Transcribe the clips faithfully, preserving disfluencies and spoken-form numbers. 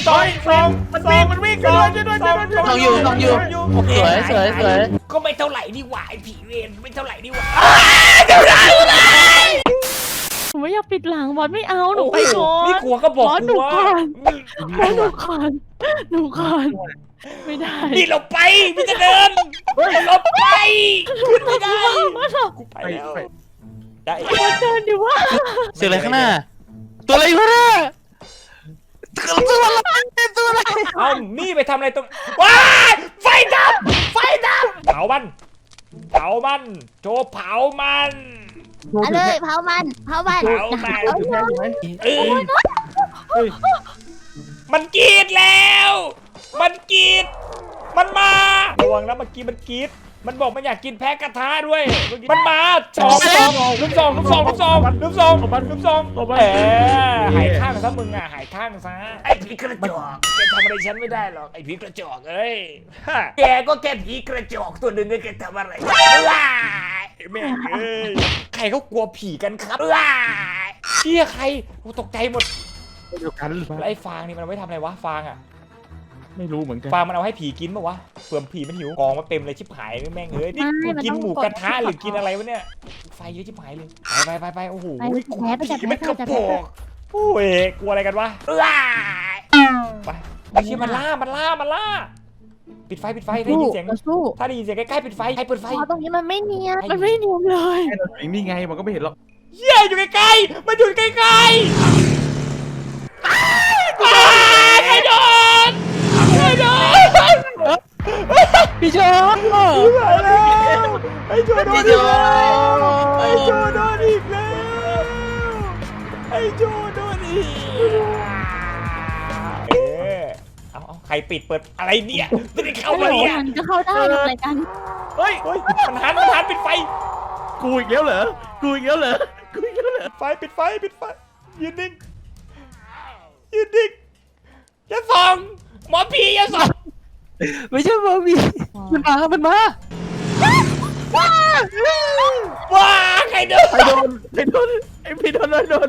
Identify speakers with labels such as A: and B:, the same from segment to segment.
A: สองสองมันวิ่งมันวิ่งช่วยด้วยช่วยด้วยช่วยด้วย
B: ต้องอยู่ต้องอยู่สวยสวยสวย
A: ก็ไม่เท่าไหร่นี่หว่าไอ้ผีเวรไม่เท่าไหร่นี่หว่า
C: หนูไม่อยากปิดหลังบอสไม่เอาหนูไปก่อน
A: นี่กลัวก็บอก
C: บอสหนู
A: ว่า
C: ก่อนบอสหนูก่อนหนูก่อนไม่ได้
A: นี่เราไปพี่จะเดินเราไปขึ้นไม่ได้
C: บอสหนู
A: กูไปแล้วได้
C: บอสเดินดิว่า
B: เสียงอะไรข้างหน้าตัวอะไรอยู่ข้างหน้าตัวอะไรตัวอะไร
A: เอามี่ไปทำอะไรตรงว้ายไฟดับไฟดับเผามันเผามันโจเผามัน
D: เอาเลยเผามันเผามัน
A: เผามัน
D: เอาเลย
A: เออมันกรีดแล้ว มันกรีดมันมาระวังนะเมื่อกี้มันกรีดมันบอกมันอยากกินแพะกระทะด้วยมันมาสองสองลูกสองลูกสองลูกสองลูกสองลูกสองเออหายข้างซะมึงอ่ะหายข้างซะไอ้ผีกระจอกแกทำอะไรฉันไม่ได้หรอกไอ้ผีกระจอกเอ้ยแกก็แค่ผีกระจอกตัวหนึ่งแกทำอะไรว้ายแม่เอ้ยใครเขากลัวผีกันครับว้ายเชี่ยใครกูตกใจหมด
E: เดียวกันหรือเปล่า
A: แล้วไอ้ฟางนี่มันเอาไว้ทำอะไรวะฟางอ่ะ
E: ไม่รู้เหมือนกัน
A: ฟางมันเอาให้ผีกินป่ะวะเผื่อผีมันหิวกองมาเต็มเลยชิบหายแม่งเอ้ยนี่กูกินหมูกระทะหรือกินอะไรวะเนี่ยไฟเยอะชิบหายเลยไปไปไปโอ้โห
D: ไปแพ้ไปจับ
A: ผี
D: แพ้
A: ไม่
D: ไป
A: กระ
D: จับ
A: โป
D: แพ้
A: งโอ้ยกลัวอะไรกันวะไปไม่ใช่มันล่ามันล่ามันล่าปิดไฟปิดไฟได้ยินเสียง
D: เราสู้
A: ถ้าได้ยินเสียงใกล้ๆปิดไฟใครเปิดไฟ
D: พอตรงนี้มันไม่เนียน
C: มันไม่เนียนเลย
E: แค่เราอยู่นี่ไงมันก็ไม่เห็นหรอก
A: เหี้ยอยู่ใกล้ๆมันอยู่ใกล้ๆใครโดนใครโดน
B: พี่ชอบ
A: ไอ้โจโดนอีกแล้วไอ้โจโดนอีกแล้วไอ้โจโดนอีกเออเอาเอาใครปิดเปิดอะไรเนี่ยไม่ได้เข้า
C: โอ้โห
A: มาเนี่ย
C: มันก็เข้าได้ทำอะไรกัน
E: เฮ้ย
A: เฮ้ยมันหันมันหันปิดไฟ
E: กูอีกแล้วเหรอกูอีกแล้วเหรอกูอีกแล้วเหรอ
A: ไฟปิดไฟปิดไฟยืนนิ่งยืนนิ่งอย่าส่องหมอผีอย่าส่อง
B: ไม่ใช่บอบีมันมามันมา
A: ว้าใครเดิน
E: ใครโดนใครโดนไอ้พี่โดนโดนโดน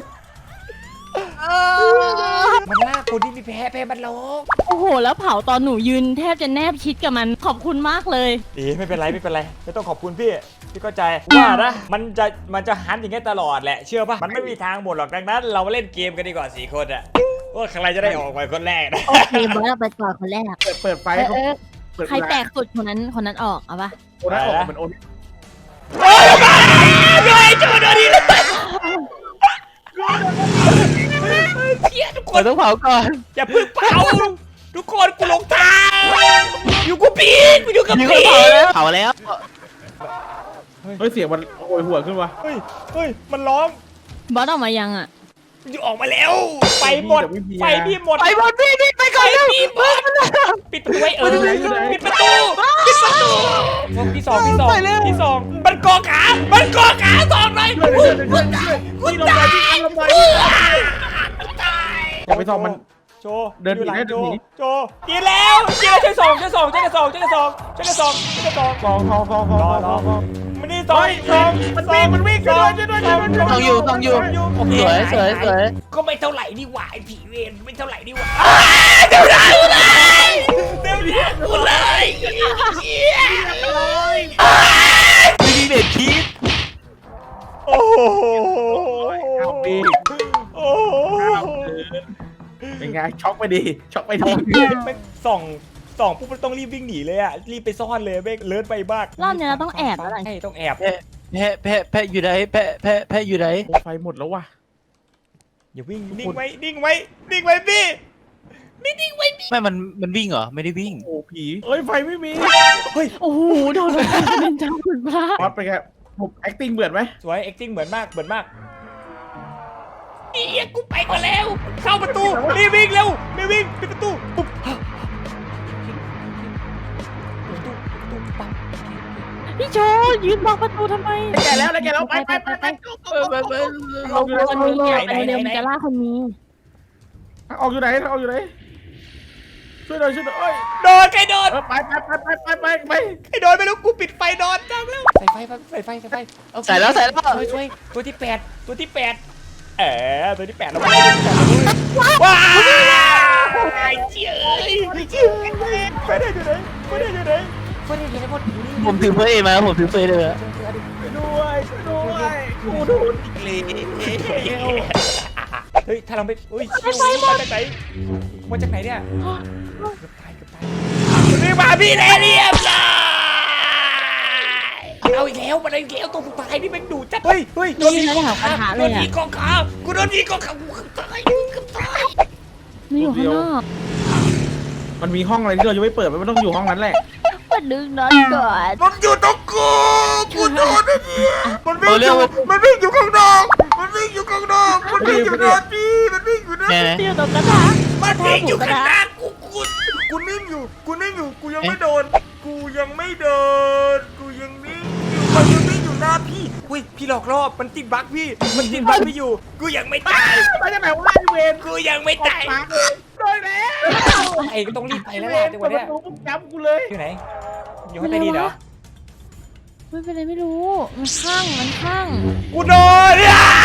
A: มันล่าคนที่มีแพ้แพ้มันลง
C: โอ้โหแล้วเผาตอนหนูยืนแทบจะแนบชิดกับมันขอบคุณมากเลย
A: ดีไม่เป็นไรไม่เป็นไรไม่ต้องขอบคุณพี่พี่เข้าใจว่านะมันจะมันจะหันอย่างเงี้ยตลอดแหละเชื่อป่ะมันไม่มีทางหมดหรอกดังนั้น เรามาเล่นเกมกันดีกว่าสี่คนอะว่าใครจะได้ออกไปคนแรกนะ
D: โอเคบอสเราไปก่อนคนแรก
E: เปิดเปิดไฟ
D: เออ
E: เขา
D: เออ
E: เปิด
C: ใครแตกสุดคนนั้นคนนั้นออกเอาปะ
E: โอนนั้นออกมันโอน
A: โอ้ยมาด้วยโจโดนดีเลยเพี้ยทุกค
B: เรา
A: น
B: ต้องเผาก่อน
A: อย่าเพึ่งเผาทุกคนกูหลงทางอยู่กูปีนกูอยู่กับ
B: นี่ก็
A: ปี
B: เผาแล้วเผาแล้ว
E: เฮ้ยเสียงมันโอยหัวขึ้นวะ
A: เฮ้ยเฮ้ยมันร้อง
C: บอสออกมายังอ่ะ
A: มันจะออกมาแล้วไฟหมดไฟพี่หมด
B: ไปบอลพี่พี่ไปก่
A: ไฟ
B: อนเร็ว
A: พี่หมดปิดประตูไว้เออปิดประตูปิดประตูที่สองที่สองที่สองมันกอขามันกอขาสองเลย
E: ช่วยช่วยช่วยช่วยนี่ลงไปที่ลงไปอย่าไปส่องมัน
A: โจ
E: เดินหนี
A: อยู่หลัง
E: เดิ
A: โจ
E: นหนี
A: โจกินแล้วกินแล้วช่วยสองช่วยสองช่วยกันสองช่วยกันสองช่วยกันสองช่วยกันสอง
E: สองสองสองสองสองสองสอง
A: มันนี่สองสองมันวิ่งมันวิ่งช่วยด้วยช่วยด้วยช่วยด้วย
B: ต้องอยู่ต้องอยู่สวยสวยสวย
A: ก็ไม่เท่าไหร่นี่หว่าไอ้ผีเวรไม่เท่าไหร่นี่หว่าเดี๋ยวนะกูเลยเดี๋ยวนะกูเลยเชี่ย
B: ไม่มีเบ็ดคิด
A: โอ้โห
E: เอาปี
A: โอ้โห
E: เป็นไงช็อกไปดีช็อกไปดี
A: แม่งส่องส่องปุ๊บมันต้องรีบวิ่งหนีเลยอ่ะรีบไปซ่อนเลยแม่งเลิศไปบ้าง
C: รอบนี้เราต้องแอบแล้วหลัง
A: ใช่ต้องแอบ
B: แพะแพะแพะแพะอยู่ไหนแพะแพะแพะอยู่ไหน
E: ไฟหมดแล้วว่ะ
A: อย่าวิ่งนิ่งไว้นิ่งไว้นิ่งไว้พี่ไม่นิ่งไว้พี่
B: ไม่มันมันวิ่งเหรอไม่ได้วิ่ง
E: โอ้ผีเอ้ยไฟไม่มี
C: โอ้โหโดนอะไรเป็นเจ้าคุณพระ
E: พอดไปแกผม acting เบื่อไหม
A: สวย acting เหมือนมากเหมือนมากเอียกูไปก่อนแล้ว เข้าประตูรีบวิ่งเร็วรีบวิ่งปิดประตูปุ๊บประตูประตูปั๊บ
C: พี่โจยืนบล็อกประตูทำไม
E: แกแล้วแล้วแกแล้วไปไปไปไป
B: เออไปไป
E: ออกอยู่ไหน
C: คนนี้อ่ะไปเร็วมันจะล่าคนนี้
E: ออกอยู่ไหนออกอยู่ไหนช่วยหน่อยช่วยหน่อย
A: โดนใครโดน
E: ไปไปไปไปไปไปไป
A: ใครโดนไม่รู้กูปิดไฟนอนจังแล้วใส่ไฟใส่ไฟใส่ไฟเอา
B: ใส่แล้วใส่แล้ว
A: ช่วยช่วยตัวที่แปดตัวที่แปดเออตัวที่แปดเราไปเลยว้าว
B: ผมถือเฟยมาผมถือเฟยเลยอะ
E: ด้วยด้วยกูโดนอีกแล้ว
A: เฮ้ยถ้าเราไม่อุ้ยมาจากไหนมาจากไหนเนี่ยเกือบตายเกือบตายนี่มาพี่แน่เรียบร้อยเอาอีกแล้วมาอีกแล้วตัวสุดท้ายนี่แม่งดูจัดเฮ้ยเฮ้ยโดน
C: นี่
A: ยิง
C: นะ
A: กอง
C: หา
A: ขา
C: ปัญหา
A: โด
C: เลย
A: น
C: อ่ะ
A: ยิงกองขากูโดนยิงกองขากูเกือบตายเกือบตาย
C: นี่อยู่ข้างนอก
E: มันมีห้องอะไรที่เรายังไม่เปิดมันต้องอยู่ห้องนั้นแหละ
D: มาดึงน็อตก่อน
A: มันอยู่ตรงกูกูโดนไอ้เนี่ยมันวิ่งอยู่มันวิ่งอยู่ข้างนอกมันวิ่งอยู่ข้างนอกมันวิ่งอยู่หน้าพี่มันวิ่งอยู่หน้า
B: แน่นะ
C: ที่อยู่ตรงกระทะ
A: มันวิ่งอยู่ข้างหน้ากูกูกูนิ่งอยู่กูนิ่งอยู่กูยังไม่โดน กูยังไม่โดนกูยังนิ่งอยู่มันยังนิ่งอยู่หน้าพี่อุ้ยพี่หลอกล่อมันติดบั๊กพี่มันติดบั๊กพี่อยู่กูยังไม่ตาย
E: มาจากไหนวะพี่เวน
A: กูยังไม่ตาย
E: มาเลยโดนแล้ว
A: ไอ้ก็ต้องรีบไปแล้ว
E: เว
A: แหละ
E: น
A: จังห
E: เปิ
A: วะ
E: ดป
A: เนี้ย
E: ระตูปุ๊บจับกูเลย
A: อยู่ไหนอยู่ข้างใต้ดินเหรอ
C: ไม่เป็นไรไม่รู้มันข้างมันข้าง
A: กูโดนอ่ะ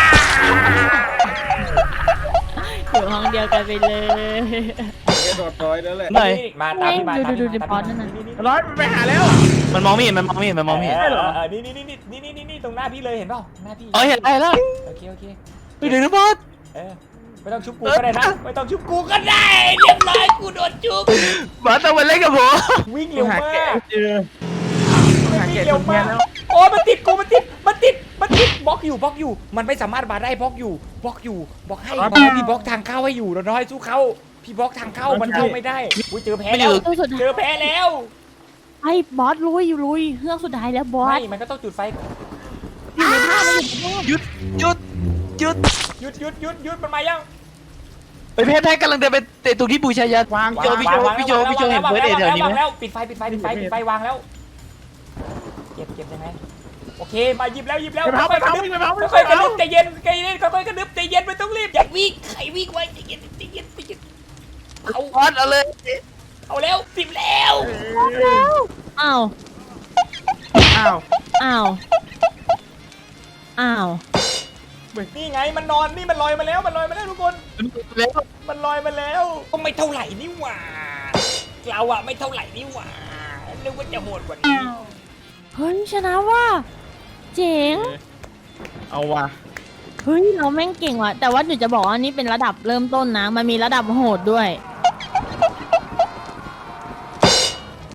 C: อยู่ห้องเดียวกันไปเลย
E: เกโดดร้อยแล้วแหละ
B: ไหน
A: มาตามพี่มา
C: ดู
A: ตาม
C: ดู
A: พี่
C: ดู
A: มา
C: พอดนั่นน่ะ
E: ร้อยมันไปหาแล้ว
B: มันมองไม่เห็นมันมองไม่เห็นมันมองไม่เห็น
A: เออเออนี่นี่นี่นี่นี่นี่นี่ตรงหน้าพี่เลยเห็นเปล่าหน้าพี่
B: อ๋อเห็นได้แล้ว
A: โอเคโอเค
B: ไปเดี๋ยวนะบอส
A: เออไม่ต้องชุบกูก็ได้นะไม่ต้องชุบกูก็ได้เรียบร้อยกูโดนชุบบ
B: อสต้องมาเล่นกับผม
A: วิ่งเร็ว
E: หาม
A: าก
E: แกะเจอหา
A: วิ่ง
E: แกะ
A: เร็
E: จ
A: วน
E: แพ้
A: มาก
E: แล้ว
A: โอ้ยมันติดกูมันติดมันติดมันติดบล็อกอยู่บล็อกอยู่ มันไม่สามารถมาได้บล็อกอยู่บล็อกอยู่บล็อกให้พี่บล็อกทางเข้าให้อยู่เราน้อยสู้เขาพี่บล็อกทางเข้ามันเข้าไม่ได้อุ้ยเจอแพ้แล้ว
C: ตู้สุด
A: เจอแพ้แล้ว
C: ไอ้บอสลุยอยู่ลุยเครื่องสุดท้ายแล้วบอส
A: ไม่มันก็ต้องจุดไฟ
C: อยู่ในภาพมันอยู่ในภาพ
B: หยุดหยุดหยุด
A: หยุดหยุดหยุดหยุดมันมายัง
B: ไปแพ้แพ้กำลังเดินไปเตะตรงที่บูชายัน
E: วาง
B: พี่โจพี่โจพี่โจพี่โจเห็นเฟิร์สเอเดี๋ยวนี้ไหม
A: แล้วปิดไฟปิดไฟปิดไฟปิดไฟวางแล้วเก็บเก็บยังไงโอเคมาหยิบแล้วหยิบแล้ว
E: ไปเผาไปเผาไปเผาไป
A: ค่อยๆกระ
E: เผา
A: ดึบใจเย็นใจเย็นค่อยๆกระดึบใจเย็นไม่ต้องรีบอย่าวิ่งใครวิ่งไว้ใจเย็นใจเย็นใจเย็นเอา
B: บอสเอาเลย
A: เอาแล้วสิบแล้ว
C: อ้าว
E: อ้าว
C: อ้าวอ้าว
A: นี่ไงมันนอนนี่มันลอยมาแล้วมันลอยมาแล้วทุกคน
B: แล้ว
A: มันลอยมาแล้วก็ไม่เท่าไหร่นี่หว่าเราอะไม่เท่าไหร่นี่หว่านึกว่าจะโหดกว่านี้
C: เฮ้ยชนะว่ะเจ๋ง
E: เอาว่ะ
C: เฮ้ยเราแม่งเก่งว่ะแต่ว่าหนูจะบอกว่านี่เป็นระดับเริ่มต้นนะมันมีระดับโหดด้วย